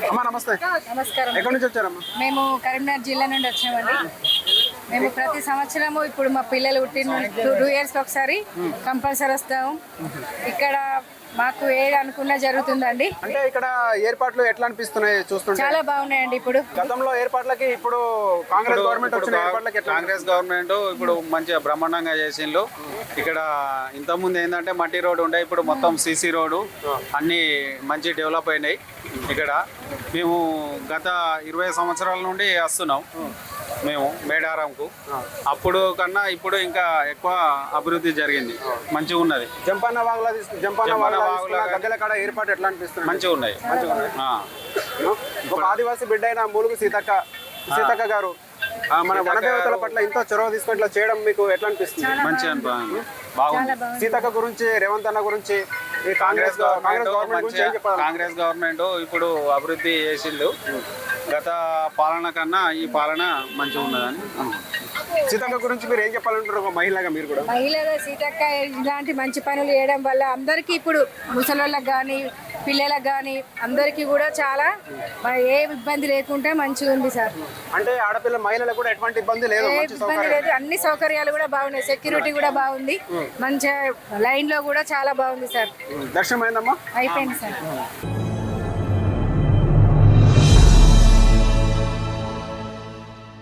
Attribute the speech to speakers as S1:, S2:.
S1: అమ్మా నమస్తే.
S2: నమస్కారం.
S1: ఎక్కడి నుంచి వచ్చారమ్మా?
S2: మేము కరీంనగర్ జిల్లా నుండి వచ్చామండి. మేము ప్రతి సంవత్సరము ఇప్పుడు మా పిల్లలు పుట్టిన 2 years ఒకసారి కంపల్సరీ వస్తాము. ఇక్కడ మాకు ఏది అనుకున్నా జరుగుతుందండి.
S1: అంటే ఇక్కడ ఏర్పాట్లు ఎట్లా అనిపిస్తున్నాయి చూస్తుంటే?
S2: చాలా బాగున్నాయండి. ఇప్పుడు
S1: గతంలో ఏర్పాట్లకి ఇప్పుడు కాంగ్రెస్ గవర్నమెంట్ వచ్చిన ఏర్పాట్లకి ఎట్లా?
S3: కాంగ్రెస్ గవర్నమెంట్ ఇప్పుడు మంచిగా బ్రహ్మాండంగా చేసిండ్రు. ఇక్కడ ఇంతకుముందు ఏంటంటే మట్టి రోడ్డు ఉండే, ఇప్పుడు మొత్తం సీసీ రోడ్డు అన్నీ మంచి డెవలప్ అయినాయి. ఇక్కడ మేము గత 20 సంవత్సరాల నుండి వస్తున్నాం మేము మేడారంకు. అప్పుడు కన్నా ఇప్పుడు ఇంకా ఎక్కువ అభివృద్ధి జరిగింది, మంచిగా ఉన్నది.
S1: జంపన్న వాగుల గద్దెల కాడ ఏర్పాటు ఎట్లా అనిపిస్తుంది?
S3: మంచిగా ఉన్నాయి.
S1: ఒక ఆదివాసీ బిడ్డ అయిన మూలుగు సీతక్క గారు మన వనదేవతల పట్ల ఎంతో చొరవ తీసుకొని ఇట్లా చేయడం మీకు ఎట్లా అనిపిస్తుంది?
S3: మంచిగా బాగుంది.
S1: సీతక్క గురించి, రేవంత్ అన్న గురించి, ఈ కాంగ్రెస్ గవర్నమెంట్ గురించి ఏం చెప్పాలి?
S3: కాంగ్రెస్ గవర్నమెంట్ ఇప్పుడు అభివృద్ధి చేసిండు. గత పాలన కన్నా ఈ పాలన మంచిగా ఉన్నదని.
S1: సీతక్క గురించి మీరు ఏం చెప్పాలంటారు ఒక మహిళగా? మీరు కూడా
S2: మహిళగా సీతక్క ఇలాంటి మంచి పనులు చేయడం వల్ల అందరికీ ఇప్పుడు ముసలోళ్ళకి కానీ పిల్లలకు కానీ అందరికీ కూడా చాలా ఏ ఇబ్బంది లేకుండా మంచిగా ఉంది సార్.
S1: అంటే ఆడపిల్ల మహిళలకు కూడా ఎటువంటి ఇబ్బంది లేదు,
S2: ఏ ఇబ్బంది లేదు. అన్ని సౌకర్యాలు కూడా బాగున్నాయి. సెక్యూరిటీ కూడా బాగుంది. మంచిగా లైన్ లో కూడా చాలా బాగుంది సార్.
S1: దర్శనం అయిందమ్మా?
S2: అయిపోయింది సార్.